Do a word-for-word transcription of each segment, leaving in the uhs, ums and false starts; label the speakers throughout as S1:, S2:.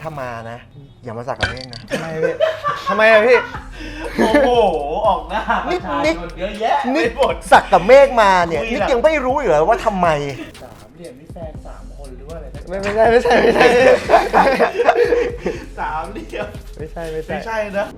S1: ถ้ามานะอย่ามาสักกับเมฆนะ
S2: ทำไมพี่ทำไมอะพี่
S3: โอ้โหออกหน้าประชาชนเยอะแยะ
S1: นี่
S3: ไม่หมด
S1: สักกับเมฆมาเนี่ย
S3: คุย
S1: นี่
S3: น่ะ
S1: ยังไม่รู้อยู่เลยว่าทำไม
S3: สามเหลี่ยมนี่แฟนสามคนหรือว่าอะไร
S2: ไม่ไม่ใช่ไม่ใช่ไม่ใช่
S3: สามเหลี่ยม
S2: ไม่ใช่ไม่ใช่
S3: ไม่ใช่นะ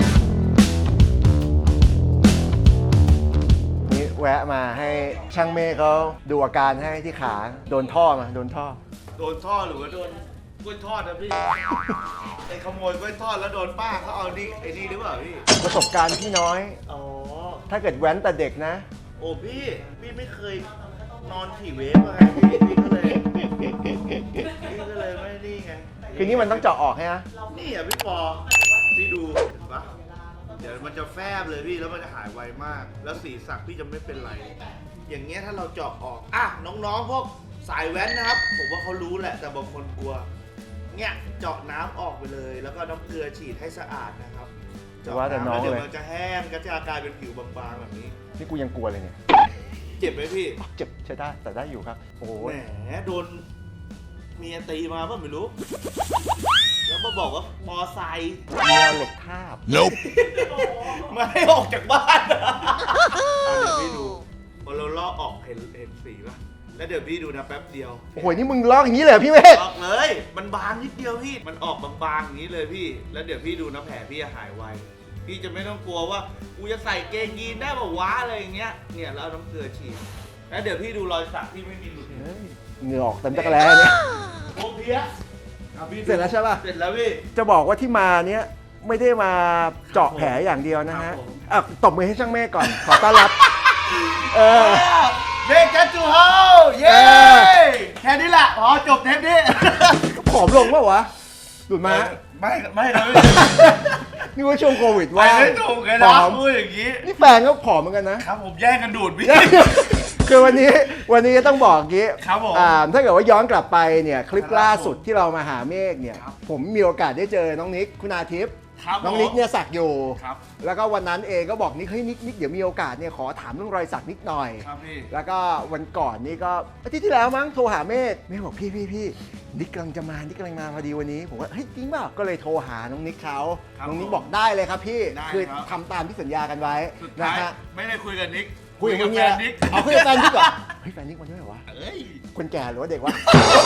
S1: นี่แวะมาให้ช่างเมฆเขาดูอาการให้ที่ขาโดนท่อมาโดนท่อ
S3: โดนท่อหรือว่าโดนกล้วยทอดนะพี่ไอ้ขโมยกล้วยทอดแล้วโดนป้าเขาเอาดิไอ้นี่หรือเปล่าพี่
S1: ประสบการณ์พี่น้อย
S3: อ๋อ
S1: ถ้าเกิดแว้นแต่เด็กนะ
S3: โอ้พี่พี่ไม่เคยนอนขี่เวฟมาไงพี่พี่ก็เลยพี่ก็เลยไม่นี่ไง
S1: คือนี่มันต้องเจาะออกใช่ไหม
S3: นี่อ่ะพี่ปอพี่ดูเห็นปะเดี๋ยวมันจะแฟบเลยพี่แล้วมันจะหายไวมาก แล้วสีสักพี่จะไม่เป็นไร อย่างเงี้ยถ้าเราเจาะออกอ่ะน้องๆพวกสายแว้นนะครับ ผมว่าเขารู้แหละแต่บางคนกลัวเนี่ยเจาะน้ำออกไปเลย แล้วก็น้ำเกลือฉีดให้สะอาดนะครับเจาะ
S1: ว่าแต่น้อง
S3: น้ำแล้วเดี๋ยว
S1: เลย
S3: มันจะแห้งก็จะกลายเป็นผิวบางๆแบบนี้
S1: นี่กูยังกลัวเลยเนี่ย
S3: เจ็บไหมพี่
S1: เจ็บใช้ได้แต่ได้อยู่ครับโอ้โห
S3: แหมโดนเมียตีมาป่ะไม่รู้ แล้วมาบอกว่ามอไซค์
S1: เมียเหล็กทาบ
S4: Nope.
S3: ไม่ให้ออกจากบ้านอะอ่ะเดี๋ยวพี่ดูพอเราลอกออกเห็นเห็นสีป่ะแล้วเดี๋ยวพี่ดูนะแป๊บเดียว
S1: โอ้โหนี่มึงลอกอย่างนี้เลยเหรอพี่เมฆ
S3: ออกเลย มันบางนิดเดียวพี่ มันออกบางๆอย่างนี้เลยพี่ แล้วเดี๋ยวพี่ดูนะแผลพี่จะหายไว พี่จะไม่ต้องกลัวว่ากูจะใส่เกงยีนได้ป่าวะอะไรอย่างเงี้ย เนี่ยแล้วเอาน้ำเกลือฉีด แล้วเดี๋ยวพี่ดูรอยสักพี่ไม่มีหลุด
S1: เฮ้ยเหงื่อออกเต็มตะกร้าเนี่ย
S3: โอ้เพี้ยอ่ะพี่ดู
S1: เสร็จแล้วใช่ป่ะ
S3: เสร็จแล้วพี่
S1: จะบอกว่าที่มาเนี้ยไม่ได้มาเจาะแผลอย่างเดียวนะ
S3: ครั
S1: ฮะ
S3: บผม
S1: อ่ะตบมือให้ช่างเมฆก่อน ขอต้อนรับ เออ
S3: เบกจัจูเฮาเย้
S1: เออ
S3: แค่นี้แหละอ๋อจบเทปนี้
S1: ผอมลงเปล่าวะหลุดมา
S3: ไม่ไม่นะพี่
S1: นี่ว่าช่วงโควิด
S3: ไป
S1: ว่า
S3: ไม่ถูกเลย
S1: ผ
S3: นะ
S1: อม
S3: พูดอย่างนี้
S1: นี่แฟนก็ผอมเหมือนกันนะ
S3: ครับผมแย่งกันดูดพี่
S1: คือวันนี้วันนี้ต้องบอกอย่างงี้
S3: ครับผม
S1: อ่าถ้าเกิดว่าย้อนกลับไปเนี่ยคลิปล่าสุดที่เรามาหาเมฆเนี่ย
S3: ครับ
S1: ผมมีโอกาสได้เจอน้องนิกคุณอาทิตย์
S3: ครับ
S1: น้องนิกเนี่ยสักอยู่
S3: ครับ
S1: แล้วก็วันนั้นเองก็บอกนิกเฮ้ยนิกนิกเดี๋ยวมีโอกาสเนี่ยขอถามเรื่องรอยสักนิดหน่อย
S3: ครับพี่
S1: แล้วก็วันก่อนนี่ก็อาทิตย์ที่แล้วมั้งโทรหาเมฆเมฆบอกพี่พี่พี่นิกกำลังจะมานิกกำลังมาพอดีวันนี้ผมว่าเฮ้ยจริงเปล่าก็เลยโทรหาน้องนิกเขา
S3: ครับ
S1: น้องนิก
S3: ผม
S1: บอกได้เลยครับพี่
S3: ได้
S1: คือ
S3: ครับ
S1: ทำตามที่สัญญากันไว้
S3: สุด
S1: นะ
S3: ท้าย
S1: ฮะ
S3: ไม่ได้คุยกับนิก
S1: คุยกับมึง
S3: แฟ
S1: เนี่ย
S3: นนิก
S1: เอาคุยกับแฟนนิกเหรอเฮ้ยแฟนนิกมันด้วยเหรอวะ
S3: เอ้ย
S1: คนแก่หรือว่าเด็กวะ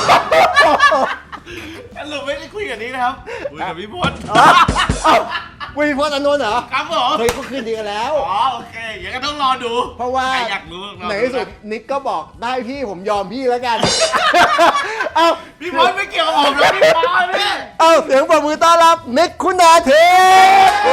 S3: สรุปไม่ได้คุยกับนิกนะครับคุยกับพี่พจน์
S1: เอ้าเอ้าวุ้ยพจน์อานนท์เหรอ
S3: ครับผม
S1: เฮ้ยเขาคืนดีกันแล้ว
S3: อ๋อโอเคอย่างนั้นก็ต้องรอดู
S1: เพราะว่า
S3: ใครอยากรู้รอ
S1: ใน
S3: ดู
S1: ที่สุด
S3: นะ
S1: นิกก็บอกได้พี่ผมยอมพี่แล้วกัน เอ้า
S3: พี่พจน์ไม่เกี่ยวกับผมนะพี่พจน์พี่
S1: เอ้าเสียงปรบมือต้อนรับนิกคุณอาทิตย์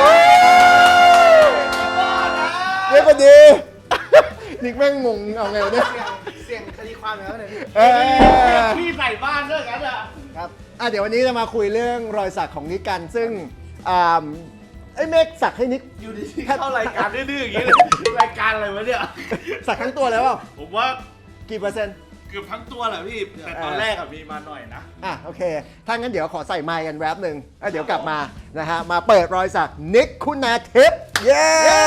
S1: เรียกว่าดี นิกแม่งงงเอาไงวะเนี่ย
S2: เสียงคดีความแล้วเนี่ยพี่
S1: เออ
S3: พี่ใส่บ้านด้วยกันอ่ะ
S2: ครับ
S1: อ่ะเดี๋ยววันนี้จะมาคุยเรื่องรอยสักของนิกกัน ซึ่งอ่าไอ้เมฆสักให้นิก
S3: อยู่ดีๆเข้ารายการดื้อๆอย่างนี้เลยรายการอะไรวะเนี่ย
S1: สักทั้งตัวแล้วเปล่า
S3: ผมว่า
S1: กี่เปอร์เซ็นต์
S3: เกือบทั้งตัวแหละพี่ แต่ตอนแรกอะมีมาหน่อยนะ
S1: อ่ะโอเค ถ้างั้นเดี๋ยวขอใส่ไมค์กันแวบหนึ่งแล้วเดี๋ยวกลับมานะฮะ มาเปิดรอยสักนิกคุณาทิพย์เย้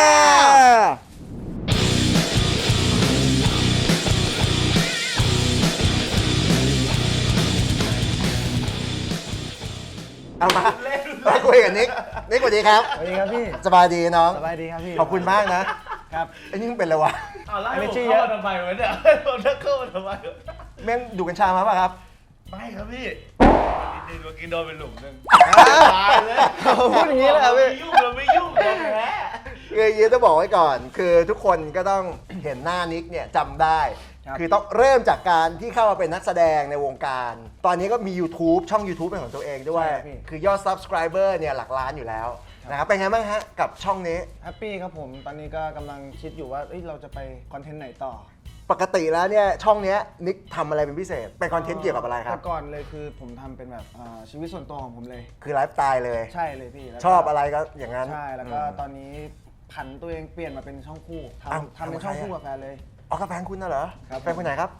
S1: เอามามาคุยกับนิก นิกสวัสดีครับ
S2: สวัสดีครับพี่
S1: สบายดีน้อง
S2: สบายดีครับพี่
S1: ขอบคุณมากนะครับ ไอ้นี่มึงเป็นอะไรวะ
S3: เอาแล้ว
S2: อันนี้
S3: ผม
S2: ชื่อ
S3: เข้ามาทำไมวะเนี่ยผมจะเข้ามาทำไมวะ
S1: แม่งดูกัญชามาป่ะครับ
S3: ไม่ครับพี่ดินเมื่อกี้โดนเป็นหลุมหนึง
S1: อ่า
S3: ตายเลย
S2: พูดอย่างนี้เลยเหรอพี่
S3: ไม่ยุ่งเราไม่ยุ่งเราแพ้
S1: คือยีต้องบอกไว้ก่อน คือทุกคนก็ต้องเห็นหน้านิกเนี่ยจำได้
S2: ครับ
S1: คือต้องเริ่มจากการที่เข้ามาเป็นนักแสดงในวงการ ตอนนี้ก็มี YouTube ช่อง YouTube เป็นของตัวเองด้วย
S2: ใช่พี่
S1: คือยอด Subscriber เนี่ยหลักล้านอยู่แล้วนะครับ เป็นไงบ้างฮะกับช่องนี้
S2: แฮปปี้ครับผม ตอนนี้ก็กำลังคิดอยู่ว่าเอ้ยเราจะไปคอนเทนต์ไหนต่อ
S1: ปกติแล้วเนี่ยช่องเนี้ยนิกทำอะไรเป็นพิเศษ เป็นคอนเทนต์เกี่ยวกับอะไรครับ
S2: แต่ก่อนเลยคือผมทำเป็นแบบอ่าชีวิตส่วนตัวของผมเลย
S1: คือไลฟ์สไตล์เลย
S2: ใช่เลยพี่แล้วก็
S1: ชอบอะไรก็อย่างนั้น
S2: ใช่ แล้วก็
S1: ม
S2: ตอนนี้ผันตัวเองเปลี่ยนมาเป็นช่องคู่
S1: อ้าว
S2: ทำทำเป็นช่องคู่
S1: ทำกับใครอะ
S2: กับแฟนเลย
S1: อ๋อกับแฟนคุณน่ะเหรอ
S2: ครับ
S1: แฟนคนไหนครับ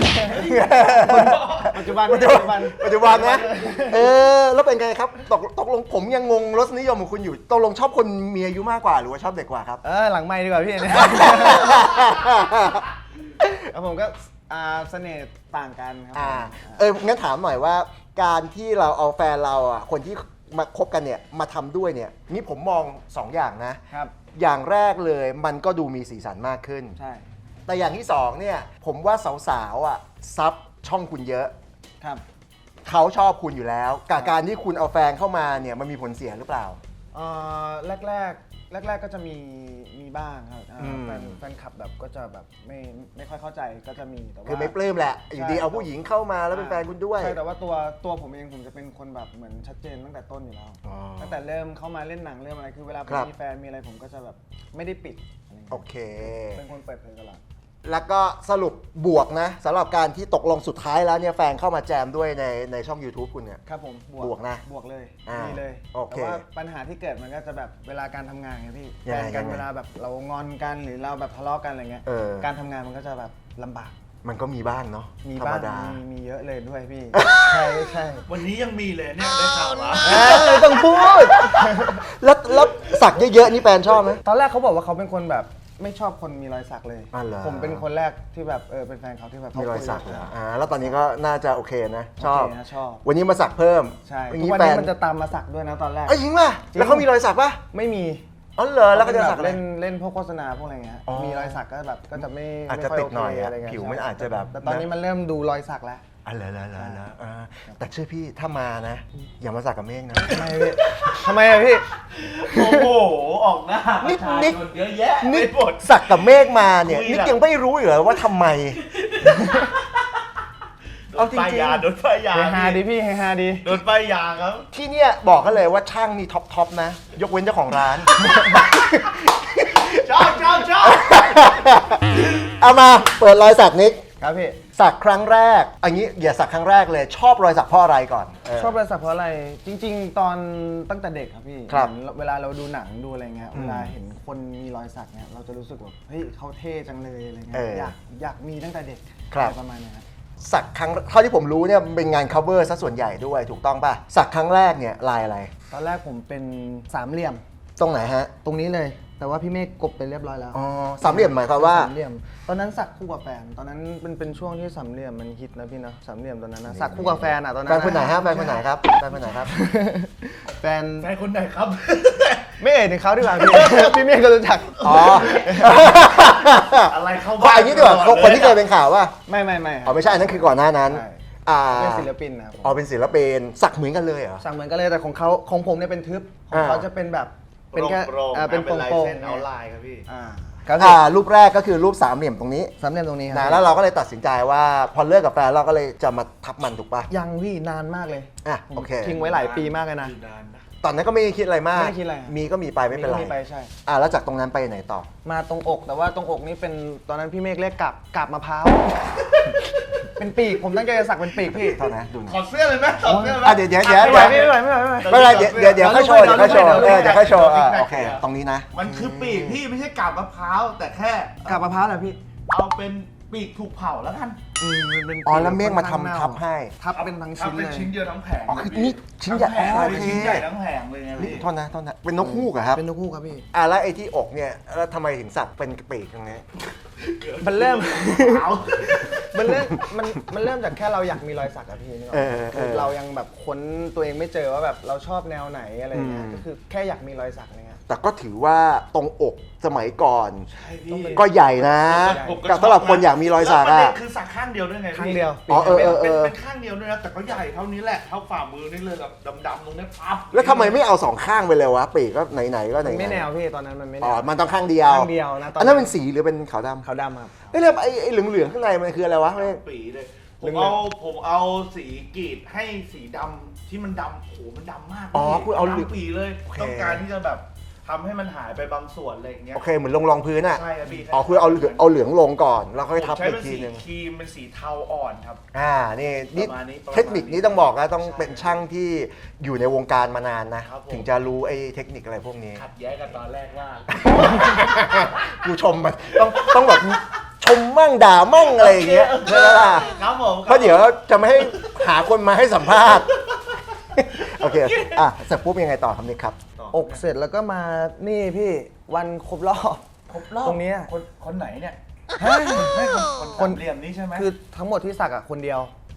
S2: ปัจจุบัน
S1: ปัจจุบันปัจจุบันนะ เออ แล้วเป็นไงครับ ตกตกลงผมยังงงรสนิยมของคุณอยู่ ตกลงชอบคนมีอายุมากกว่าหรือว่าชอบเด็กกว่าครับ
S2: เออหลังไม่ดีกว่าพี่เนี่ย แล้วผมก็อ่าเสน่ห์ต่างกันครั
S1: อ่า
S2: ผม
S1: เออ งั้นถามหน่อยว่าการที่เราเอาแฟนเราอ่ะคนที่มาคบกันเนี่ยมาทำด้วยเนี่ยนี่ผมมองสองอย่างนะครับ อย่างแรกเลยมันก็ดูมีสีสันมากขึ้น
S2: ใช่
S1: แต่อย่างที่สองเนี่ยผมว่าสาวๆอ่ะซับช่องคุณเยอะ
S2: ครับ
S1: เขาชอบคุณอยู่แล้วกับการที่คุณเอาแฟนเข้ามาเนี่ยมันมีผลเสียหรือเปล่า
S2: เอ่อแรกแรกแรกแรกๆก็จะมีมีบ้างครับอ่า
S1: อืม
S2: แฟนแฟนคลับแบบก็จะแบบไม่ไม่ค่อยเข้าใจก็จะมีแต่ว่า
S1: คือไม่ปลื้มแหละอยู่ดีเอาผู้หญิงเข้ามาแล้วเป็นแฟนคุณด้วย
S2: ใช่แต่ว่าตัวตัวผมเองผมจะเป็นคนแบบเหมือนชัดเจนตั้งแต่ต้นอยู่แล้ว
S1: อ๋อ
S2: ตั้งแต่เริ่มเข้ามาเล่นหนังเริ่มอะไรคือเวลาผม
S1: ครับ
S2: มีแฟนมีอะไรผมก็จะแบบไม่ได้ปิดอะไรอย่าง
S1: โอ
S2: เงี้ย
S1: เค
S2: เป็นคนเปิดเผยตลอด
S1: แล้วก็สรุปบวกนะสำหรับการที่ตกลงสุดท้ายแล้วเนี่ยแฟนเข้ามาแจมด้วยในในช่อง YouTube คุณเนี่ย
S2: ครับผม
S1: บวกนะ
S2: บวกเลย
S1: อ่า
S2: มีเลย
S1: โอเค
S2: แต่ว่าปัญหาที่เกิดมันก็จะแบบเวลาการทำงานไงพี่
S1: ยัง
S2: แฟ
S1: ไง
S2: นกัน
S1: ยังไง
S2: เวลาแบบเรางอนกันหรือเราแบบทะเลาะกันอะไรเงี้ย
S1: เออ
S2: การทำงานมันก็จะแบบลำบาก
S1: มันก็มีบ้างเนาะ
S2: มี
S1: ธรร
S2: บ้าม ง
S1: ดา
S2: มีมีเยอะเลยด้วยพี่ ใช่ใช่
S3: วันนี้ยังมีเลยเนี่ยได้ข่าวว่า
S1: เอ้ยต้องพูด แล้วแล้วสักเยอะๆนี่แฟนชอบไหม
S2: ตอนแรกเขาบอกว่าเขาเป็นคนแบบไม่ชอบคนมีรอยสักเลย
S1: อ๋อเหรอ
S2: ผมเป็นคนแรกที่แบบเออเป็นแฟนเขาที่แบบ
S1: มีรอยสัก
S2: เล
S1: เหรออ่าแล้วตอนนี้ก็น่าจะโอเคนะ ชอบ
S2: นะชอบ
S1: วันนี้มาสักเพิ่ม
S2: ใช่
S1: อย่าง
S2: ทุก
S1: นี้
S2: วัน
S1: แฟ
S2: นี้
S1: น
S2: มันจะตามมาสักด้วยนะตอนแรก
S1: เอ้ยจริงป่ะ
S2: จริง
S1: แล้วเขามีรอยสักป่ะ
S2: ไม่มี
S1: อ๋อเหรอแล้วก็จะสักอะไร
S2: เล่นเล่นพวกโฆษณาพวกอะไรเงี้ย
S1: อ๋อ
S2: มีรอยสักก็แบบก็จะไม่
S1: อาจจะ
S2: ไม่ค่
S1: ติดหน่อย
S2: โเค
S1: อะ
S2: ไรเงี้ย
S1: ผิวมัน
S2: ใช่
S1: อาจจะแบบ
S2: แต่ตอนนี้
S1: นะ
S2: มันเริ่มดูรอยสักแล้ว
S1: อ๋อเหรอเหรอเหรอเหรออ่าแต่เชื่อพี่ถ้ามานะ อย่ามาสักกับเมฆนะ
S2: ทำไมพี่ทำไมอะพี่
S3: โอ้โห ออกหน้าป
S1: นิ
S3: ระ
S1: ด
S3: ชา
S1: นิด
S3: ชนเยอะแยะ
S1: นี่
S3: ไปหมด
S1: สักกับเมฆมาเนี่ย
S3: คุย
S1: นี่
S3: แบบ
S1: ยังไม่รู้เหรอว่าทำไม
S3: โด
S1: เอา
S3: น
S1: จริงๆ
S3: ป้ายยาโดนป้ายยา
S2: เฮฮาดีพี่เฮฮาดี
S3: โดนป้ายยาครับ
S1: ที่เนี่ยบอกกันเลยว่าช่างนี่ท็อปท็อปนะ ยกเว้นเจ้าของร้าน
S3: ชอบชอบชอบ
S1: เอามาเปิดรอยสักนิก
S2: ครับพี่
S1: สักครั้งแรกอันนี้อย่าสักครั้งแรกเลย ชอบรอยสักเพราะอะไรก่อนเ
S2: ชอบรอยสักเพราะอะไร จริง ๆ ตอนตั้งแต่เด็กครับพี่
S1: ครับ
S2: เหมือนเวลาเราดูหนังดูอะไรเงี้ย
S1: อืม
S2: เวลาเห็นคนมีรอยสักเนี่ยเราจะรู้สึกแบบเฮ้ยเขาเท่จังเลยอะไรเงี้
S1: เอย อ
S2: อยากอยากมีตั้งแต่เด็ก
S1: ครับ
S2: อะไรประมาณเนี้ยครับ
S1: สักครั้งเท่าที่ผมรู้เนี่ยมันเป็นงาน cover ซะส่วนใหญ่ด้วยถูกต้องป่ะ สักครั้งแรกเนี่ยลายอะไร
S2: ตอนแรกผมเป็นสามเหลี่ยม
S1: ตรงไหนฮะ
S2: ตรงนี้เลย แต่ว่าพี่เมฆกบไปเรียบร้อยแล้ว
S1: อ๋อสามเหลี่ยมหมายความว่า
S2: สามเหลี่ยม ตอนนั้นสักคู่กับแฟน ตอนนั้นเป็นเป็นช่วงที่สามเหลี่ยมมันฮิตนะพี่เนาะสามเหลี่ยมตอนนั้นนะสักคู่กับแฟนอ่ะตอนนั้น
S1: แฟนคนไหนฮะแฟนคนไหนครับแฟนคนไหนครับ
S2: แฟน
S3: แฟนคนไหนครับ
S2: ไม่เอ่ยถึงเขาดีกว่าพี่ พี่เมฆก็รู้จัก
S1: อ๋อ
S3: อะไรเข้า
S1: ก็อันนี้ดีกว่า
S3: ตลอด
S1: คนที่เคย
S3: ล
S1: เป็นข่าวว่า
S2: ไม่ไม่ไม่
S1: อ๋อไม่ใช่อันนั้นคือก่อนหน้านั้น
S2: ใช่
S1: อ่า
S2: เป็นศิลปินนะครับผม
S1: อ๋อเป็นศิลปินสักเหมือนกันเลยเหรอ
S2: สั่งเหมือนกันเลยแต่ของเขาของผมเนี่ยเป็นทึบของเขา
S1: อ่า
S2: จะเป็นแบบเป็นแค่
S3: โปร่งๆ
S2: อ่าเป็น
S3: เป็นลาย
S2: โปร่ง
S3: เส้น
S2: ๆ
S3: เอาลายครับพี่
S2: อ่าครับ
S1: อ่ารูปแรกก็คือรูปสามเหลี่ยมตรงนี้
S2: สามเหลี่ยมตรงนี้ครั
S1: นะแล้วเราก็เลยตัดสินใจว่าพอเลิกกับแฟนเราก็เลยจะมาทับมันถูกป่ะ
S2: ยังพี่นานมากเลย
S1: อ่ะ
S2: ผม
S1: โอเค
S2: ทิ้งไว้หลายปีมากเลยนะ
S3: อยู่นานนะ
S1: ตอนนั้นก็ไม่ได้คิดอะไรมาก
S2: ไม่ได้คิดอะไร
S1: มีก็มีไปไม่เป็นไร
S2: มีไปใช่
S1: อ่าแล้วจากตรงนั้นไปไหนต่อ
S2: มาตรงอกแต่ว่าตรงอกนี่เป็นตอนนั้นพี่เมฆเรียกกาบกาบมะพร้าว เป็นปีกผมตั้งใจจะสักเป็นปีกพี่
S1: เท่านั้นดูหน่
S3: ถ
S1: อ
S3: อย ดเสื้อเลยไหมถอดเสื้อไหม
S1: อ่ะเดี๋ยวเดี๋ยวเดี๋ยว
S2: ไม่ไหวไม่ไหวไม่ไหวไม่ไหว
S1: ไม่เป็นไรเดี๋ยวเดี๋ยวเดี๋ยวค่อยโชว์เดี๋ยวค่อยโชว์
S2: เดี๋
S1: เอ
S2: ยว
S1: อเดี๋ยวค่อยโชว์อ่ะ
S3: เดี๋ยว
S1: โอเค ตรงนี้นะ
S3: มันคือปีกพี่ไม่ใช่กาบมะพร้าว แต่แค่
S2: กาบมะพร้าวเหรอพี่
S3: เอาเป็นปีกถูกเผาแล้วกัน
S2: อืมมันเป็น
S1: อ๋อแล้วเมฆมา
S2: ค่อนข้ง
S1: ทำ
S2: น่
S1: ทับให้
S2: ทับเป็นทั้งชิ้น
S3: ทำ
S2: เล
S3: เป็น
S2: ย
S3: ชิ้นเดียวทั้งแผง
S1: อ๋อคือนี่ชิ้นใหญ่
S3: ทั้งแผง
S1: โอ
S3: เลย
S1: เค
S3: ชิ้นใหญ่ทั้งแผงเลยไง
S1: นี่
S3: พี่
S1: โทษนะโทษนะเป็นนกฮูกเหรอครับ
S2: เป็นนกคู่ครับพี่
S1: อ่ะแล้วไอ้ที่อกเนี่ยแล้วทำไมถึงสักเป็นปีกตรงนี้
S2: มันเริ่ม
S3: เผา
S2: มันเริ่มมันมันเริ่มจากแค่เราอยากมีรอยสักอะพี่นึกออก
S1: เอ
S2: ไหม
S1: อเอ
S2: คือ
S1: อ
S2: เรายังแบบค้นตัวเองไม่เจอว่าแบบเราชอบแนวไหนอะไรเงี้ย
S1: อืม
S2: ก็คือแค่อยากมีรอยสักอะไรเงี้ย
S1: แต่ก็ถือว่าตรงอกสมัยก่อน
S3: ใช่พี่
S1: ก็ใหญ่นะ
S3: ผมก็
S1: กับสำหรับคนอยากมีรอยสัก
S3: แล้วประ
S1: อ่ะ
S3: เด็นคือสักข้างเดียวด้วยไงพี่
S2: ข้างเดียว
S1: อ๋อเออเออเอ
S3: เป็น
S1: อ
S3: เป็นข้างเดียวด้วยนะแต่ก็ใหญ่เท่านี้แหละเท่าฝ่ามือนี่เลยแบบดำๆตรงนี้พับ
S1: แล้วทำไมไม่เอาสองข้างไปเลยวะปีกก็ไหนๆก็ไหน
S2: มัน
S1: ๆ
S2: ไม่แนวพี่ตอนนั้นมันไม่แน
S1: อ๋อ
S2: ว
S1: มันต้องข้างเดียว
S2: ข้างเดียวนะตอนนั้น
S1: อันนั้นเป็นสีหรือเป็นขาวดำ
S2: ขาวดำครับ
S1: เอ้ยแล้วไอ้ไอ้เหลืองๆข้างในมันคืออะไรวะเมฆ
S3: ปีเลยผ
S2: เรื่
S3: ม
S2: อง
S3: เอาผมเอาสีกรีดให้สีดำที่มันดำโอ้โหมันดำมาก
S1: อ๋อ
S3: พี่
S1: คุณเอาเหลือง
S3: ดำปีเลย
S1: โอเค
S3: ต้องการที่จะแบบทำให้มันหายไปบางส่วนอะไรอย่างเงี้ย
S1: โอเคเหมือนลงรองพื้นอ่ะ
S3: ใช่ครับพี่
S1: อ๋อคือเอาเหลืองเอาเหลืองลงก่อนแล้วค่อยทับ
S3: ผมใช้
S1: อี
S3: เป็
S1: ก
S3: น
S1: ที
S3: สี
S1: นึง
S3: ครีมเป็นสีเทาอ่อนครับ
S1: อ่านี่นี่
S3: ประมาณนี้ประมาณนี้
S1: เทคนิคนี้ต้องบอกนะต้อง
S3: ใช่
S1: เป็นช่างที่อยู่ในวงการมานานนะ
S3: ครับผม
S1: ถึงจะรู้ไอ้เทคนิคอะไรพวกนี้
S3: ขัดแย้งกันตอนแรกว่า
S1: กูชมมันต้องต้องแบบชมมั่งด่ามั่งอะไรอย่างเงี้ยใช่ไหมล่ะ
S3: ครับผม
S1: เพราะเดี๋ยวจะไม่ให้หาคนมาให้สัมภาษณ์ โอเคอ่ะเสร็จปุ๊บยังไงต่อครับนิกครับ
S2: อกเสร็จแล้วก็มานี่พี่วันครบรอบ
S3: ครบรอบ
S2: ตรงเนี้ย
S3: คนคนไหนเนี่ย
S2: ฮะ
S3: ไม่คนคน
S2: คน
S3: สามเหลี่ยมนี้ใช่ไหม
S2: คือทั้งหมดที่สักอะคนเดียว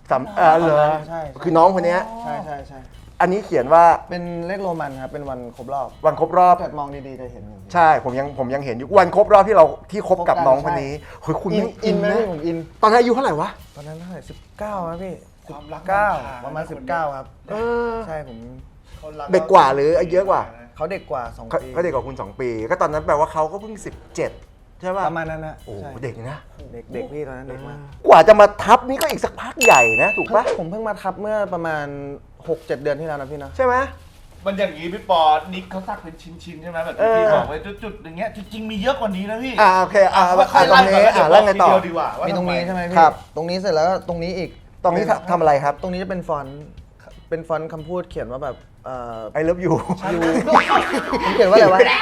S1: สำเออเหรอ
S2: ใช่
S1: คือน้องคนเนี้ย
S2: ใช่ใช่ใช่
S1: อันนี้เขียนว่า
S2: เป็นเลขโรมันครับเป็นวันครบรอบ
S1: วันครบรอบ
S2: ถ้าเกิดมองดีๆจะเห็นอยู่
S1: ใช่ผมยังผมยังเห็นอยู่วันครบรอบที่เราที่คบกับน้องคนนี้เฮ้ยคุณ
S2: อิน
S1: ไม่
S2: อินไหม
S1: นะ
S2: พี่ผมอิน
S1: ตอนนั้นอายุเท่าไหร่วะ
S2: ตอนนั้นเท่าไหร่สิบเก้าครับพี่
S3: ความรัก
S2: เก้า
S3: มันพา
S2: ประมาณ
S3: นะ
S2: สิบ
S3: คน
S2: เก้า
S3: เนี้ย
S2: ครับ
S1: เออ
S2: ใช่ผม
S1: เด็กกว่าหรือเยอะกว่า
S2: เขาเด็กกว่าสอง
S1: เขา
S2: ปี
S1: เขาเด็กกว่าคุณสองปี ก็ตอนนั้นแปลว่าเขาก็เพิ่งสิบเจ็ดใช่ป่ะ
S2: ประมาณนั้นนะ
S1: โอ้
S2: ใช่
S1: เด็กนะ
S2: เด็กเด็กพี่ตอนนั้นเด็กมาก
S1: กว่าจะมาทับนี่ก็อีกสักพักใหญ่นะถูกปะ
S2: ผมเพิ่งมาทับเมื่อประมาณ หกเจ็ด เดือนที่แล้วนะพี่นะ
S1: ใช่ไหม
S3: มันอย่างนี้พี่ปอนิกเขาสักเป็นชิ้นๆใช่ไหมแบบ
S1: เอ
S3: ที่
S1: อ
S3: พี่บอกไว้จุดๆอย่างเงี้ยจริงๆมีเยอะกว่านี้นะพี่
S1: อ่าโอเคอ่า
S3: ว่า
S1: อ่าตรงนี้อ่าแล้วไงต่อ
S3: เดียวดีกว่าว่า
S2: มีตรงนี้
S3: ทำ
S2: ใช่ไหม
S1: ครั
S2: พี่
S1: บ
S2: ตรงนี้เสร็จแล้วก็ตรงนี้อีก
S1: ตรงนี้ทำทำอะไรครับ
S2: ตรงนี้จะเป็นฟอนต์เป็นฟอนต์คำพูดเขียนว่าแบบเอ่อ
S1: I love you
S2: ยูผมเขียนว่าอะไรวะ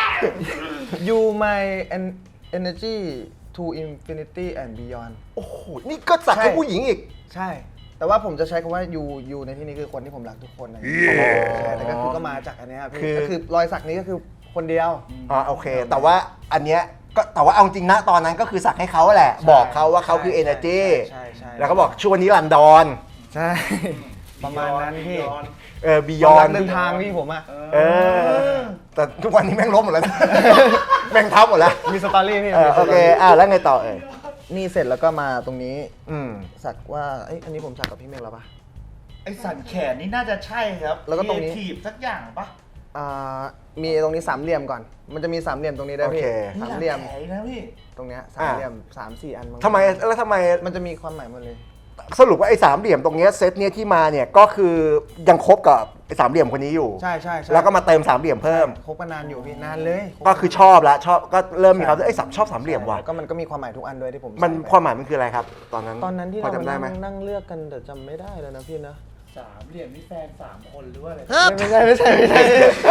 S2: You my en- energy to infinity and beyond
S1: โอ้โหนี่ก็สักให้ผู้หญิงอีก
S2: ใช่ แต่ว่าผมจะใช้คำว่า you you ในที่นี้คือคนที่ผมรักทุกคนอะไรอย่างเงี้ยใช่แต่ก็คือก็มาจากอันเนี้ยพี่
S1: คือ
S2: ก็คือรอยสักนี้ก็คือคนเดียว
S1: อ่าโอเค แต่ว่าอันเนี้ยก็แต่ว่าเอาจริงนะตอนนั้นก็คือสักให้เขาแหละ บอกเขาว่าเขาคือ
S2: ใช่
S1: energy
S2: ใช่ใช่
S1: แล้วก็บอกช่วงนี้รันดอน
S2: ใช่ ประมาณนั้นพี่
S1: เออ
S2: ยอ
S1: beyond
S2: นเดินทางพี่ผมอะ
S1: เออ แต่ทุกวันนี้แม่งล้มหมดแล้ว แม่งทับหมดแล้ว
S2: มีสตอรี่พี่
S1: เออ
S2: มีส
S1: โอ
S2: ต
S1: เค
S2: รี่
S1: อ่ะแล้วไงต่อเอ่ย
S2: นี่เสร็จแล้วก็มาตรงนี้
S1: อืม
S2: สักว่าเอ้ยอันนี้ผมสักกับพี่เมฆแล้วปะ
S3: ไอสันแขนนี่น่าจะใช่ครับ
S2: แล้วก็ตรงนี้
S3: ถีบสักอย่างปะ
S2: อ่ามีตรงนี้สามเหลี่ยมก่อน มันจะมีสามเหลี่ยมตรงนี้ด้วยพี่
S1: โอเค
S2: สามเหลี่ยม
S3: แขนนะพี่
S2: ตรงเนี้ยสามเหลี่ยมสามสี่อันง
S1: ทำไมแล้วทำไม
S2: มันจะมีความหมายหมดเลย
S1: สรุปว่าไอ้สามเหลี่ยมตรงเนี้ยเซตเนี้ยที่มาเนี่ยก็คือยังคบกับไอ้สามเหลี่ยมคนนี้อยู่
S2: ใช่ใช่ใช่
S1: แล้วก็มาเติมสามเหลี่ยมเพิ่ม
S2: คบกันนานอยู่พี่นานเลย
S1: ก็คือชอบละชอบก็เริ่มมีความรู้สึกไอ้ยสับชอบสามเหลี่ยมว่ะ
S2: ใช่แล้วก็มันก็มีความหมายทุกอันด้วยที่ผม
S1: มัน
S2: ใส่ไป
S1: ความหมายมันคืออะไรครับ ตอนนั้น
S2: ตอนนั้นที่
S1: พอ
S2: เรา
S1: จำได้
S2: มา
S1: ไหม
S2: นั่งนั่งเลือกกันแต่จำไม่ได้แล้วนะพี่นะ
S3: สามเหลี่ยมนี่แฟนสามคนหรือว่าอะไร
S2: ไม่ใช่ไม่ใช่ไม่ใช่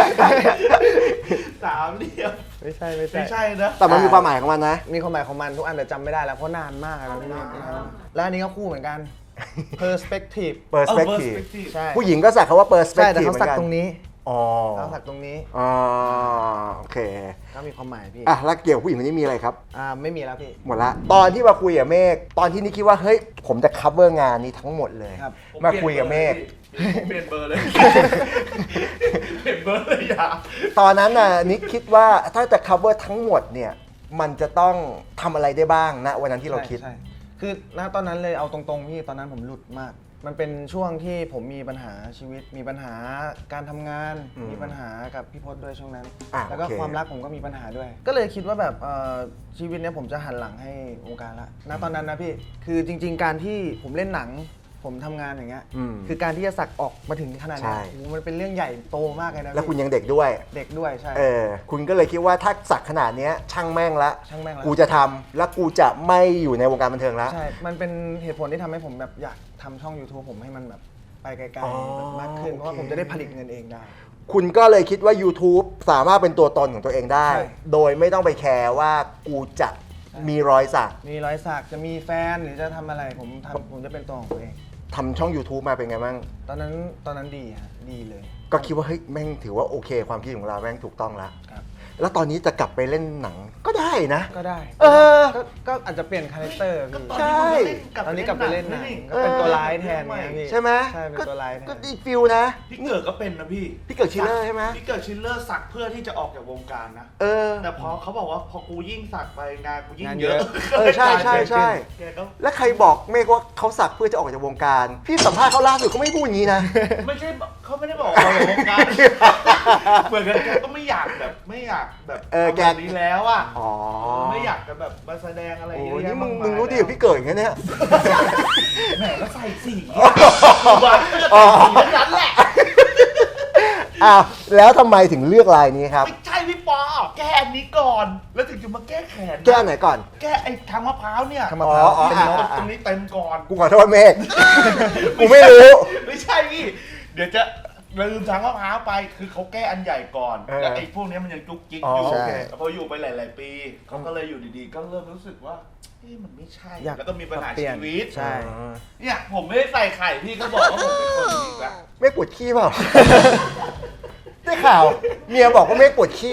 S3: สามเหลี่ยม
S2: ไม่ใช่ไม่ใช่
S3: ไม่ใช่นะ
S1: แต่มันมีความหมายของมันนะ
S2: มีความหมายของมันทุกอันแต่จำไม่ได้แล้วเพราะนานมากแล้วพี่แล้วอันนี้ก็คู่เหมือนกัน perspective
S1: perspective
S2: ใช่
S1: ผู้หญิงก็สักคำว่า
S2: ใช่แต่
S1: perspective
S2: เขา
S1: เหมือ
S2: สัก
S1: นกัน
S2: ตรงนี้
S1: อ๋อ
S2: เขาสักตรงนี้
S1: อ๋อโอเค
S2: ก็มีความหมายพี่
S1: อ่ะแล้วเกี่ยวกับผู้หญิงคนนี้มีอะไรครับ
S2: อ่าไม่มีแล้วพี่
S1: หมดละตอนที่มาคุยกับเมฆตอนที่นี่คิดว่าเฮ้ยผมจะ cover งานนี้ทั้งหมดเลย
S2: ครับ
S1: มาคุยกับเมฆ
S3: ผมเปลี่ยนเบอร์เลย เปลี่ยนเบอร์เลยอย่า
S1: ตอนนั้นน่ะนิกคิดว่าถ้าจะ cover ทั้งหมดเนี่ยมันจะต้องทำอะไรได้บ้างนะวันนั้นที่เราคิด
S2: ใช่ใช่คือณตอนนั้นเลยเอาตรงๆพี่ตอนนั้นผมหลุดมาก มันเป็นช่วงที่ผมมีปัญหาชีวิต มีปัญหาการทำงาน
S1: อืม
S2: มีปัญหากับพี่พศด้วยช่วงนั้น
S1: อ่ะ
S2: แล้วก็
S1: โอเค
S2: ความรักผมก็มีปัญหาด้วย ก็เลยคิดว่าแบบเอ่อชีวิตเนี้ยผมจะหันหลังให้วงการละณตอนนั้นนะพี่ คือจริง ๆ การที่ผมเล่นหนัง ผมทำงานอย่างเงี้ย
S1: อืม
S2: คือการที่จะสักออกมาถึงขนาดเนี้ย
S1: ใช่
S2: โอ้โหมันเป็นเรื่องใหญ่โตมากเลยนะ
S1: แล้วคุณ
S2: พี่
S1: ยังเด็กด้วย
S2: เด็กด้วยใช่
S1: เออคุณก็เลยคิดว่าถ้าสักขนาดเนี้ยช่างแม่งละ
S2: ช่างแม่งละ
S1: กูจะทำแล้วกูจะไม่อยู่ในวงการบันเทิงแล้ว
S2: ใช่ มันเป็นเหตุผลที่ทำให้ผมแบบอยากทำช่อง YouTube ผมให้มันแบบไปไกล
S1: อ๋อ
S2: ๆแบบมากขึ้น เพราะว่า
S1: โอเค
S2: ผมจะได้ผลิตเงินเองได้
S1: คุณก็เลยคิดว่า YouTube สามารถเป็นตัวตนของตัวเองได้
S2: ใช่
S1: โดยไม่ต้องไปแคร์ว่ากูจะมีรอยสัก
S2: มีรอยสักจะมีแฟนหรือจะทำอะไรผมทำผมจะเป็นตัวของตัวเอง
S1: ทำช่อง YouTube มาเป็นไงบ้าง
S2: ตอนนั้นตอนนั้นดีฮะดีเลย
S1: ก็คิดว่าเฮ้ยแม่งถือว่าโอเค ความคิดของเราแม่งถูกต้องแล้ว
S2: ครับ
S1: แล้วตอนนี้จะกลับไปเล่นหนังก็ได้นะ
S2: ก็ได้
S1: เออ
S2: ก็ก็อาจจะเปลี่ยนคาแรคเตอร์พี่
S1: ใช่
S2: ตอนนี้กลับไปเล่นหนังก็เป็นตัวร้ายแทนไงพี่
S1: ใช่ไหม
S2: ใช่เป็นตัวร้ายแท
S1: ก็
S2: น
S1: ดีฟิลนะ
S3: พี่เกิดก็เป็นนะพี่
S1: พี่เกิดชิลเลอร์ใช่ไหม
S3: พี่เกิดชิลเลอร์สักเพื่อที่จะออกจากวงการนะ
S1: เออ
S3: แต่พอเขาบอกว่าพอกูยิ่งสักไปงานกูยิ่ง
S2: งาน
S3: เย
S2: เย
S3: อะ
S2: อะ
S1: เออใช่ใช่ใช่
S3: แกก็
S1: แล้วใครบอกเมฆว่าเขาสักเพื่อจะออกจากวงการ พี่สัมภาษณ์เขาล่าสุดเขาไม่พูดอย่างนี้นะ
S3: ไม่ใช่เขาไม่ได้บอกว่าออกจากวงการ เหมือนกันแกก็ไม่อยากแบบไม่อยากแบบ
S1: เออแก
S3: ทำแบบนี้แล้วอ่ะ
S1: อ๋อ
S3: ไม่อยากจะแบบมาแสดงอะไร
S1: โอ้
S3: เยอะ
S1: ย
S3: แยะ
S1: นี่มึง
S3: ากาย
S1: มึงรู้ดีกว่าพี่เกิดอย่างเงี้ยเนี่ย
S3: แหมแล้วใส่สีอะบ้าใส่สีทั้งนั้นแหละ
S1: อ้าวแล้วทำไมถึงเลือกลายนี้ครับ
S3: ไม่ใช่พี่ปอแก้อันนี้ก่อน แล้วถึงจะมาแก้แขน
S1: แก้ไหนก่อน
S3: แก้ไอ้ทางมะพร้าวเนี่ย
S2: ทางมะพร้าว
S1: อ๋อ
S3: เป็น
S1: อ่ะ
S3: นก
S1: อ่ะ
S3: ตรงนี้เต็มก่อน
S1: กูขอโทษเมฆ กูไม่รู้
S3: ไม่ใช่พี่ เดี๋ยวจะลืมทางมะพร้าวไป คือเขาแก้อันใหญ่ก่อน
S1: เออ
S3: แล้วไอ้พวกเนี้ยมันยังจุกจิก
S1: อ๋อ
S3: อยู่
S1: โอเค
S3: แล้วพออยู่ไปหลาย ๆ ปีเขาก็เลยอยู่ดีๆ ก็เริ่มรู้สึกว่าเอ๊ะมันไม่ใช่
S2: อยาก
S3: แล้วก็มีปัญหา
S2: เปลี่
S3: ชี
S2: ยน
S3: วิต
S2: ใช่
S1: อ๋อ
S3: เนี่ยผมไม่ได้ใส่ไข่พี่ก็บอกว่าผมเป็นคนอีกแล้ว
S1: เมฆปวดขี้เปล่า ได้ข่าว เมียบอกว่าเมฆปวดขี้
S3: ครับผ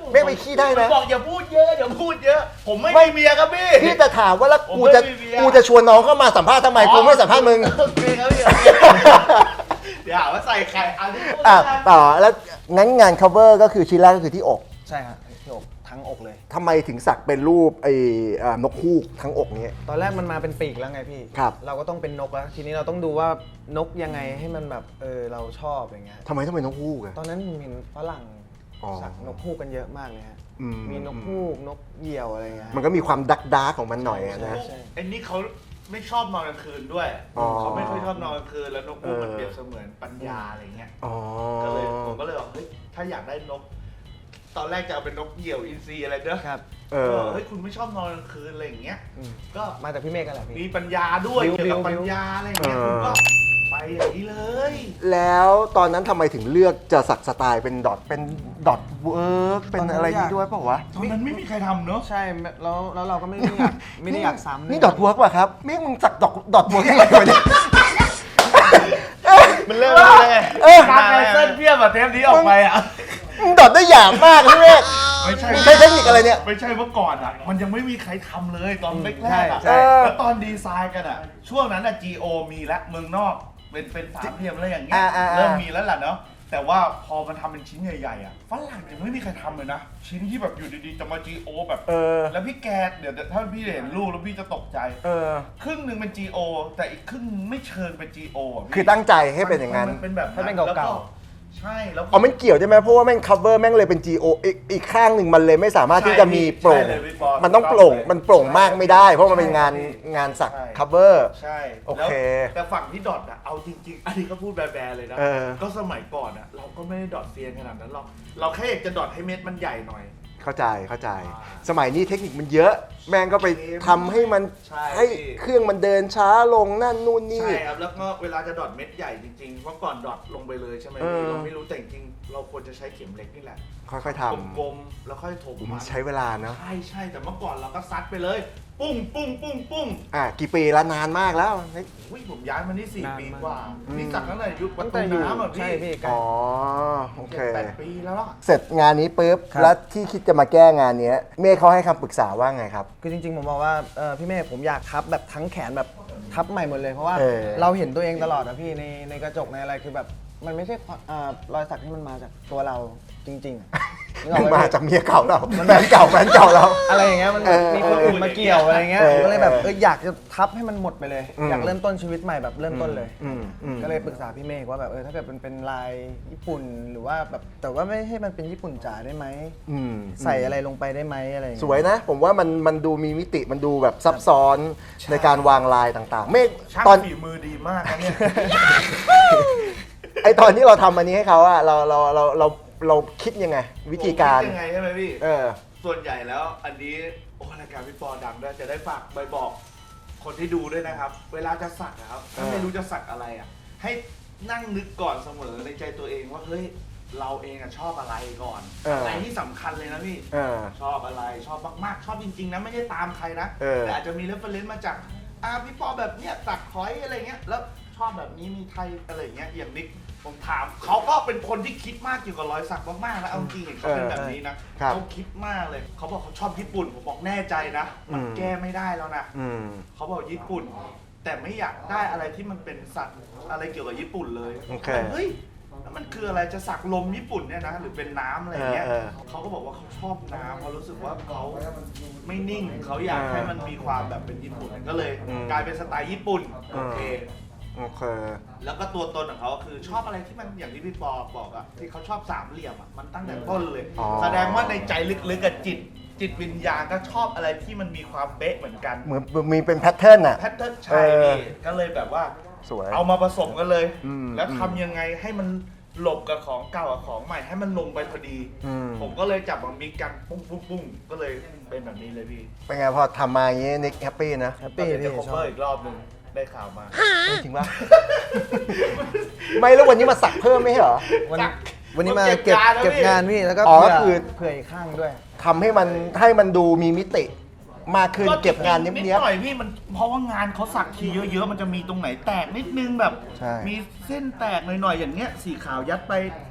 S1: เมฆไปขี้ได้นะ
S3: บอกอย่าพูดเยอะอย่าพูดเยอะ ผมไม่
S1: ไม่
S3: มีเมียครับพี่
S1: พี่จะถามว่าแล้ว
S3: ผม
S1: กูจะ
S3: ไม่มีเมีย
S1: กูจะชวนน้องเข้ามาสัมภาษณ์ทำไมกูไม่สัมภาษณ์มึง
S3: โอเคครับพี่เดี๋ยวหาว่าใส่ไข่อันนี้พูด
S1: อ่ะ
S3: นะ
S1: ต่อแล้วงั้นงาน cover ก็คือชิ้นแรกก็คือที่อก
S2: ใช่ฮะที่อกทั้งอกเลย
S1: ทำไมถึงสักเป็นรูปไอ้อ่านกฮูกทั้งอกนี้
S2: ตอนแรกมันมาเป็นปีกแล้วไงพี่
S1: ครับ
S2: เราก็ต้องเป็นนกแล้ว ทีนี้เราต้องดูว่านกยังไงให้มันแบบเออเราชอบอย่างเงี้ย
S1: ทำไมต้องเป็นนกฮูกอะ
S2: ตอนนั้นเห็นฝรั่ง
S1: อ๋อ
S2: สักนกฮูกกันเยอะมากเลยฮะ
S1: อืม
S2: มีนกฮูกนกเหยี่ยวอะไรเงี้ย
S1: มันก็มีความดักดาร์กของมันหน่อยอะนะ
S2: ใช่
S3: ไอ้นี่เขาไม่ชอบนอนกลางคืนด้วย
S1: อ๋อ
S3: เขาไม่ค่อยชอบนอนกลางคืนแล้วนกฮูกมัน
S1: เออ
S3: เปรียบเสมือนปัญญาอะไรเงี้ย
S1: อ๋อ
S3: ก็เลยผมก็เลยบอกเฮ้ยถ้าอยากได้นก ตอนแรกจะเอาเป็นนกเหยี่ยวอินทรีอะไรเนอะ
S2: ครับ
S1: เอ
S3: เอ
S1: อ
S3: อเฮ้ยคุณไม่ชอบนอนกลางคืนอะไรอย่างเงี้ย
S2: อืม
S3: ก็
S2: มาจากพี่เมฆกันแหละ
S3: มี
S2: พี่
S3: ปัญญาด้วย
S2: บิว
S3: เกี่ยวกับ
S2: บิว
S3: ปัญญาอะไรอย่างเงี้ย
S1: เออ
S3: คุณก็ไปอย่างนี้เลย
S1: แล้วตอนนั้นทำไมถึงเลือกจะสักสไตล์เป็นดอทเป็นดอทเวิร์กเป็นอะไรนี้ด้วยเปล่าวะ
S3: ตอนนั้นไม่มีใครทำเนอะ
S2: ใช่แล้วแล้วเราก็ไม่ได้อยากไม่ได้อยากซ้ำ
S1: นี่ดอทเวิร์กป่ะครับเมฆมึงสักดอทดอทเวิร์กยังไงวะเนี่ย
S3: มันเริ่มเลยไง
S1: เออ
S3: การไนเส้นเพียบอะเทปนี้ออกไปอะ
S1: มึงดอทได้หยาบมากพี่เมฆ
S3: ไม่ใช่
S1: มึงใช้เทคนิคอะไรเนี่ย
S3: ไม่ใช่เมื่อก่อนอะมันยังไม่มีใครทำเลยตอนแรกๆอะ
S1: ใช่
S3: แล้วตอนดีไซน์กันอะช่วงนั้นอะ จี โอ มีแล้วเมืองนอกเป็นเป็นสามเหลี่ยมอะไรอย่างเงี้ย
S1: อ่าอ่าอ่า
S3: เริ่มมีแล้วแหละเนาะแต่ว่าพอมันทำเป็นชิ้นใหญ่ๆอะฝรั่งยังไม่มีใครทำเลยนะชิ้นที่แบบอยู่ดีๆจะมา จี โอ แบบ
S1: เออ
S3: แล้วพี่แกเดี๋ยวถ้าพี่เห็นรูปแล้วพี่จะตกใจ
S1: เออ
S3: ครึ่งหนึ่งเป็น จี โอ แต่อีกครึ่งไม่เชิงเป็น จี โอ ะพี่
S1: คือตั้งใจให้เป็นอย่างนั้น
S3: มัเป็นแบบ
S2: ให้เป็นเก่าๆ
S3: แล้วใช่แล้ว
S1: อ๋อมันเกี่ยวใช่ไหมเพราะว่าแม่ง cover แม่งเลยเป็น จี โอ อีกอีกข้างหนึ่งมันเลยไม่สามารถที่จะมีโปร่ง
S3: ใช่เลยพี่ปอ
S1: มันต้องโปร่ง
S3: ใช่
S1: มันโปร่งมากไม่ได้ เพราะมันเป็นงาน
S3: ใช่
S1: งานสัก
S3: ใช่
S1: cover
S3: ใช่
S1: โอเค
S3: แล้วแต่ฝั่งที่ดอทอะเอาจริงๆ อันนี้ก็พูดแบร์ๆเลยนะ
S1: เออ
S3: ก็สมัยก่อนอะเราก็ไม่ได้ดอทเซียนขนาดนั้นหรอก เราแค่อยากจะดอทให้เม็ดมันใหญ่หน่อย
S1: เข้าใจเข้าใจ
S3: อ่า
S1: สมัยนี้เทคนิคมันเยอะ แม่งก็ไปทำให้มัน
S3: ใช่
S1: ให้เครื่องมันเดินช้าลงนั่นนู่นนี่
S3: ใช่ครับ แล้วก็เวลาจะดอทเม็ดใหญ่จริงๆ เพราะก่อนดอทลงไปเลยใช่ไหม
S1: เออ
S3: พี่เราไม่รู้แต่จริงๆเราควรจะใช้เข็มเล็กนี่แหละ
S1: ค่อยๆท
S3: กลมๆแล้วค่อยถม
S1: ำ
S3: มั
S1: มัน นใช้เวลาเนอะ
S3: ใช่ใช่แต่เมื่อก่อนเราก็ซัดไปเลย ปุ้งปุ้งปุ้งปุ้ง
S1: อ่ะกี่ปีแล้วนานมากแล้ว
S3: อุ้ยผมย้ายมานี่สี่
S2: นาน
S3: ปี
S2: มาก
S3: กว่า
S1: อืม
S3: นี่สักตั้งแต่ยุคประ
S2: ตั้ง
S3: ตู
S2: แต่อยู่
S3: น้ำอ่ะ
S2: ใช่
S3: พี่
S2: พี่ไกล
S1: อ๋อโอเค
S3: เจ็ดแปดปีแล้วล่ะ
S1: เสร็จงานนี้ปุ๊บ
S2: ครับ
S1: แล้วที่คิดจะมาแก้งานเนี้ยเมฆเขาให้คำปรึกษาว่าไงครับ
S2: คือจริงๆผมบอกว่าเออพี่เมฆผมอยากทับแบบทั้งแขนแบบทับใหม่หมดเลยเพราะว่า
S1: เออ
S2: เราเห็นตัวเองตลอดนะพี่ในในกระจกในอะไรคือแบบมันไม่ใช่ความอ่ารอยสักที่มันมาจากตัวเราจริงๆอะนึกออกไห
S1: มา
S2: พี่
S1: จากเมียเก่าเราแฟนเก่าแฟนเก่าเรา
S2: อะไรอย่างเงี้ยมัน
S1: เออ
S2: มีคนอื่นมาเกี่ยวอะไรเงี้ย
S1: เออ
S2: ผมก็เลยแบบเอออยากจะทับให้มันหมดไปเลย
S1: อืม
S2: อยากเริ่มต้นชีวิตใหม่แบบเริ่มต้นเลย
S1: อืมอืม
S2: ก็เลยปรึกษาพี่เมฆว่าแบบเออถ้าเกิดมันเป็นลายญี่ปุ่นหรือว่าแบบแต่ว่าไม่ให้มันเป็นญี่ปุ่นจ๋าได้ไหม
S1: อืม
S2: ใส่อะไรลงไปได้ไหมอะไรอย่าง
S1: ส
S2: เงี้ย
S1: วยนะ ผมว่ามันมันดูมีมิติมันดูแบบซับซ้อนในการวางลายต่างๆ เมฆ
S3: ช่าง
S1: ตอน
S3: ฝีมือดีมากนะเนี่ย
S1: ไอตอนที่เราทำอันนี้ให้เขาอะเราเราเราเราเราคิดยังไง วิธีการ
S3: ผมคิดยังไงใช่ไหมพี่
S1: เออ
S3: ส่วนใหญ่แล้วอันนี้โอ้รายการพี่ปอดังด้วยจะได้ฝากใบบอกคนที่ดูด้วยนะครับ เวลาจะสักนะครับถ้าไม่รู้จะสักอะไรอ่ะให้นั่งนึกก่อนเสมอในใจตัวเองว่าเฮ้ยเราเองอะชอบอะไรก่อน
S1: เอออ
S3: อะไรที่สำคัญเลยนะพี่
S1: เออ
S3: ชอบอะไรชอบมากๆ ชอบจริงๆนะไม่ได้ตามใครนะ
S1: เออ
S3: แต่อาจจะมีเรฟเฟรนซ์มาจากอ่าพี่ปอแบบเนี้ยสักคอยอะไรเงี้ยแล้วชอบแบบนี้มีไทยอะไรเงี้ยอย่างนิกผมถามเขาก็เป็นคนที่คิดมากเกี่ยวกับรอยสักมากๆนะเอาจริงๆเห็นเขาเป็นแบบนี้นะครับ เขาคิดมากเลยเขาบอกเขาชอบญี่ปุ่นผมบอกแน่ใจนะมัน
S1: อืม
S3: แก้ไม่ได้แล้วนะ
S1: อืม
S3: เขาบอกญี่ปุ่น แต่ไม่อยากได้อะไรที่มันเป็นสัตว์อะไรเกี่ยวกับญี่ปุ่นเลย
S1: โอเค
S3: เฮ้ยแล้วมันคืออะไรจะสักลมญี่ปุ่นเนี่ยนะหรือเป็นน้ำอะไรเงี้ย
S1: เออเออ
S3: เขาก็บอกว่าเขาชอบน้ำเขารู้สึกว่าเขาไม่นิ่งเขาอยากให้มันมีความแบบเป็นญี่ปุ่นก็เลย
S1: อืม
S3: กลายเป็นสไตล์ญี่ปุ่นโอเค
S1: โอเค
S3: แล้วก็ตัวตนของเขาคือชอบอะไรที่มันอย่างที่พี่ปอบอกอะที่เขาชอบสามเหลี่ยมอะมันตั้งแต่ต้นเลย
S1: อ๋อ
S3: แสดงว่าในใจลึกๆกับจิต จิตวิญญาณก็ชอบอะไรที่มันมีความเป๊ะเหมือนกัน
S1: เหมือนมีเป็นแพทเทิร์นอะ
S3: แพทเทิร์น
S1: เอ
S3: ใช่
S1: อ
S3: พี่ก็เลยแบบว่า
S1: สวย
S3: เอามาผสมกันเลย
S1: อืม
S3: แล้วทำยังไงให้มันหลบกับของเก่ากับของใหม่ให้มันลงไปพอดี
S1: อืม
S3: ผมก็เลยจับมามิกกันปุ้งปุ้งปุ้งก็เลยเป็นแบบนี้เลยพี่
S1: เป็นไงพอทำมาอย่างงี้นิกแฮปปี้นะ
S2: แฮป
S3: ก็
S2: ปี้
S3: เดี๋ยว
S2: พี่
S3: จะ
S2: ช
S3: ค
S2: อ
S3: อบ เวอร์อีกรอบหนึ่งได้ข่าวมา
S1: จริงปะ ไม่แล้ววันนี้มาสักเพิ่มไม่ใช่เหรอ
S2: วันวันนี้มาเก็บเก็บงานพี่แล้วก็
S1: อ๋อ
S2: เผื่อ
S1: คือ
S2: เผื่ออีกข้างด้วย
S1: ทำให้มันให้มันดูมีมิติมากขึ้นเก็บงานเนี้
S3: นิด
S1: ยบ
S3: หน่อยพี่มันเพราะว่างานเขาสักทีเยอะๆ มันจะมีตรงไหนแตกนิดนึงแบบ
S1: ใช่
S3: มีเส้นแตกหน่อยๆอย่างเงี้ยสีขาวยัดไป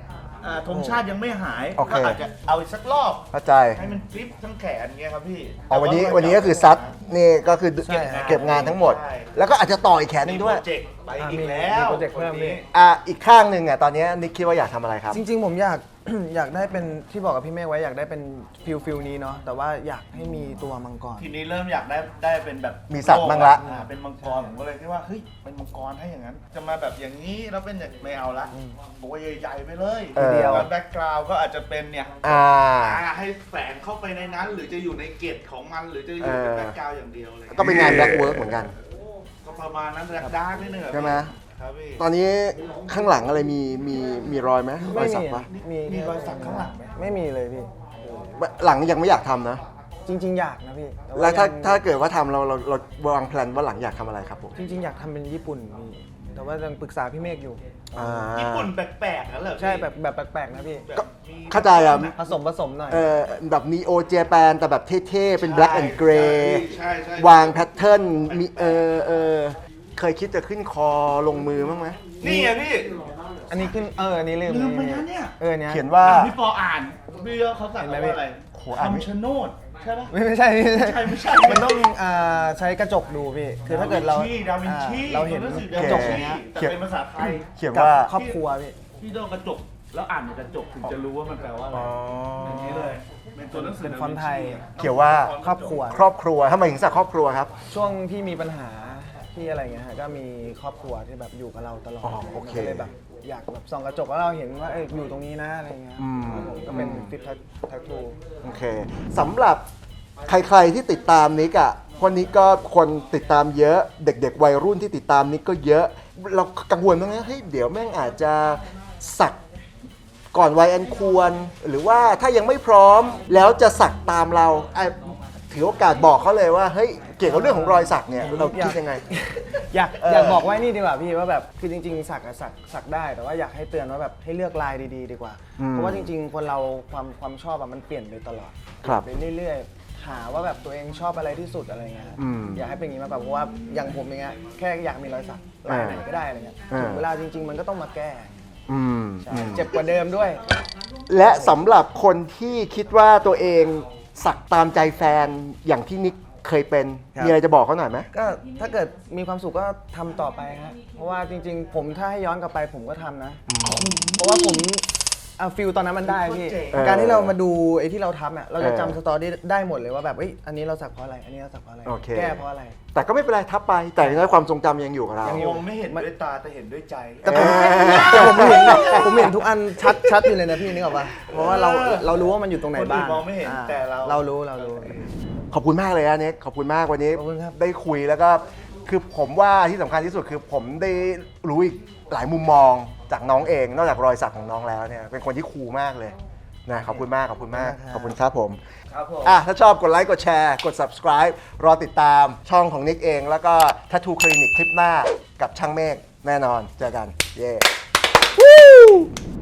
S3: อ่าธงชาติยังไม่หาย
S1: โอเค
S3: ก็อาจจะเอาอีกสักรอบ
S1: เข้าใจ
S3: ให้มันกริปทั้งแขนเงี้ยครับพี่
S1: อ๋อวันนี้
S3: แต่า
S1: วันนี้ก็คือซัดนี่ก็คือ
S2: ใช่ครับ
S1: เก็บงานทั้งหมด
S3: ใช่
S1: แล้วก็อาจจะต่ออีกแขนหนึ
S3: มี
S1: ง
S3: โป
S1: ด้
S3: ร
S1: วย
S3: เจกต์ไป
S2: อ่า
S3: อีก
S2: มี
S3: แล้ว
S2: มีโปรเจกต์เพิ่มพี่
S1: อ่ะอีกข้างหนึ่งอ่ะตอนนี้นิกคิดว่าอยากทำอะไรครับ
S2: จริง ๆ ผมอยาก อยากได้เป็นที่บอกกับพี่เมฆไว้อยากได้เป็นฟิลฟิลนี้เนาะแต่ว่าอยากให้มีตัวมังกร
S3: ทีนี้เริ่มอยากได้ได้เป็นแบบ
S1: มีสัตว์บ้างละ
S3: อ่าเป็นมังกรผมก็เลยคิดว่าเฮ้ยเป็นมังกรให้อย่างนั้น จะมาแบบอย่างนี้แล้วเป็นอย่างไม่เอาละตัวใหญ่ๆไปเลย
S1: เออ
S3: แล้วแบ็กกราวด์ก็อาจจะเป็นเนี่ย
S1: อ่า
S3: อ่าให้แฝงเข้าไปในนั้น หรือจะอยู่ในเกตของมัน หรือจะอยู่เป็น
S1: เออ
S3: แบ็กกราวด์อย่างเดียวอะไรเลย
S1: ก็เป็นงานแบ็กเวิร์กเหมือนกัน
S3: ก็ประมาณนั้นแบ็กดาร์กนิดนึงอะ
S1: ใช่ไหม
S3: ครับพี่
S1: ตอนนี้ข้างหลังอะไรมีมีมีรอยไหมรอ
S2: ไม่
S1: ยสั
S2: มี
S1: กปะ
S2: มี
S3: มีรอยสักข้างหลังไหม
S2: ไม่มีเลยพี่
S1: หลังยังไม่อยากทำนะ
S2: จริง ๆ อยากนะพี่ต่
S1: แล้วถ้า
S2: ยัง
S1: ถ้าเกิดว่าทำเราเราเราวางแผนว่าหลังอยากทำอะไรครับผม
S2: จริง ๆ อยากทำเป็นญี่ปุ่นพี่แต่ว่ายังปรึกษาพี่เมฆอยู่
S1: อ่า
S3: ญี่ปุ่นแปลกๆนั่นเหรอพี่
S2: ใช่แบบแบบแปลกๆนะพี่
S3: แบบ
S1: ก็
S3: มี
S1: เข้าใจอ่ะ
S2: ผสมผสมหน่อย
S1: เออแบบนีโอเจแปนแต่แบบเท่ๆ เป็น black and
S3: ใช่
S1: gray
S3: ใช่ใช่
S1: วางแพทเทิร์นมีเออเออเคยคิดจะขึ้นคอลงมือบ้างไหม
S3: นี่ไงพี่
S2: อันนี้ขึ้นเอออันนี้ลืม
S3: ลืมไปนะเนี่ย
S2: เออเนี้ย
S1: เขียนว่า
S3: อ่ะพี่ปออ่านพี่เขาสั่ง
S2: เห็นไหม
S3: ว่าอะไร
S1: โหอ่านไม่
S3: คำชะโนดใช่ปะ
S2: ไม่ไม่ใช่ไม่
S3: ไม่
S2: ใช่
S3: ใช่ไม่ใช่
S2: มันต้องอ่าใช้กระจกดูพี่คือถ้าเกิดเรา
S3: ดาวินชี
S2: อ่าเราเห็น
S3: รู้สึ
S2: ก
S3: ดา
S2: ระ
S3: วิ
S2: จ
S3: น
S2: ก
S3: ชี
S2: อย่างเงี้ย
S3: แต่เป็นภาษาไทย
S1: เขียน
S2: กับ
S1: ว่า
S2: ครอบครัวพี่
S3: พี่ต้องกระจกแล้วอ่านในกระจกถึงจะรู้ว่ามันแปลว่าอะไร
S1: อ๋อ
S3: อย่างนี้เลยเป็นตัวหนังสือ
S2: เป็นฟอนต์ไทย
S1: เขียนว่า
S2: ครอบครัว
S1: ครอบครัวทำไมถึงสักครอบครัวครับ
S2: ช่วงที่มีปัญหาที่อะไรเงี้ยฮะก็มีครอบครัวที่แบบอยู่กับเราตลอด
S1: อ๋อโอเค
S2: ก็เลยแบบอยากแบบส่องกระจกแล้วเราเห็นว่าเอออยู่ตรงนี้นะอะไรเงี้ย
S1: อืม
S2: ครับผมก็เป็นฟิตทักทู
S1: โอเคสำหรับใครๆที่ติดตามนิกอะคนนี้ก็คนติดตามเยอะ เด็กๆวัยรุ่นที่ติดตามนิกก็เยอะ เรากังวลบ้างไหมเฮ้ยเดี๋ยวแม่งอาจจะสักก่อนวัยอันควร หรือว่าถ้ายังไม่พร้อมแล้วจะสักตามเราอ่ะถือโอกาสบอกเขาเลยว่าเฮ้ยเกี่ยวกับเรื่องของรอยสักเนี่ยเราคิดยังไง
S2: อยาก
S1: เออ
S2: อยากบอกไว้นี่ดีกว่าพี่ว่าแบบคือจริงๆ สักอะสักสักได้แต่ว่าอยากให้เตือนว่าแบบให้เลือกลายดีๆ ดีกว่า เพราะว่าจริงๆ คนเราความความชอบอะมันเปลี่ยนไปตลอด
S1: ครับ
S2: ไปเรื่อยๆ หาว่าแบบตัวเองชอบอะไรที่สุดอะไรเงี้ย
S1: อืม
S2: อยากให้เป็นอย่างนี้มากกว่าเพราะว่าอย่างผมอย่างเงี้ยแค่อยากมีรอยสักลายไหนก็ได้อะไรเงี้ย
S1: เออ
S2: ถึงเวลาจริง ๆ มันก็ต้องมาแก้
S1: อืม
S2: ใช่
S1: อืม
S2: เจ็บกว่าเดิมด้วย
S1: และสำหรับคนที่คิดว่าตัวเองสักตามใจแฟนอย่างที่นิกเคยเป็น
S2: ครับ
S1: มีอะไรจะบอกเขาหน่อยไหม
S2: ก็ถ้าเกิดมีความสุขก็ทำต่อไปฮะเพราะว่าจริง ๆ ผมถ้าให้ย้อนกลับไปผมก็ทำนะ เพราะว่าผมเอาฟิลตอนนั้นมันได้พี่
S3: เจ๋ง
S1: เออ
S2: การที่เรามาดูไอ้ที่เราทำอ่ะเราจะ
S1: เออ
S2: จำสตอรี่ได้หมดเลยว่าแบบเอ้ยอันนี้เราสักเพราะอะไร อันนี้เราสักเพราะอะไร
S1: โอเค
S2: แก้เพราะอะไร
S1: แต่ก็ไม่เป็นไรทับไป แต่อย่างน้อยความทรงจำยังอยู่กับเรา
S2: ยัง
S3: มองไม่เห็นด้วยตาแต่เห็นด้วยใจ
S2: แต่ผมแต่ผมเห็นผมเห็นทุกอันชัดชัดอยู่เลยนะพี่นึกออกปะเพราะว่าเราเรารู้ว่ามันอยู่ตรงไหน
S3: คนอื่น
S2: บ้าง
S3: มองไม่เห็น
S2: อ่
S3: แต่เรา
S2: เรารู้เรารู้
S1: ขอบคุณมากเลยนะเน็กขอบคุณมากวันนี้
S2: ขอบคุณครับ
S1: ได้คุยแล้วก็คือผมว่าที่สำคัญที่สุดคือผมได้รู้อีกหลายมุมมองจากน้องเอง นอกจากรอยสักของน้องแล้วเนี่ยเป็นคนที่คูลมากเลยนะขอบคุณมากขอบคุณมากขอบคุณครับผม
S3: ครับผม
S1: อ่ะถ้าชอบกดไลค์กดแชร์กด subscribe รอติดตามช่องของนิกเอง แล้วก็ Tattoo Clinic คลิปหน้ากับช่างเมฆแน่นอนเจอกันเย้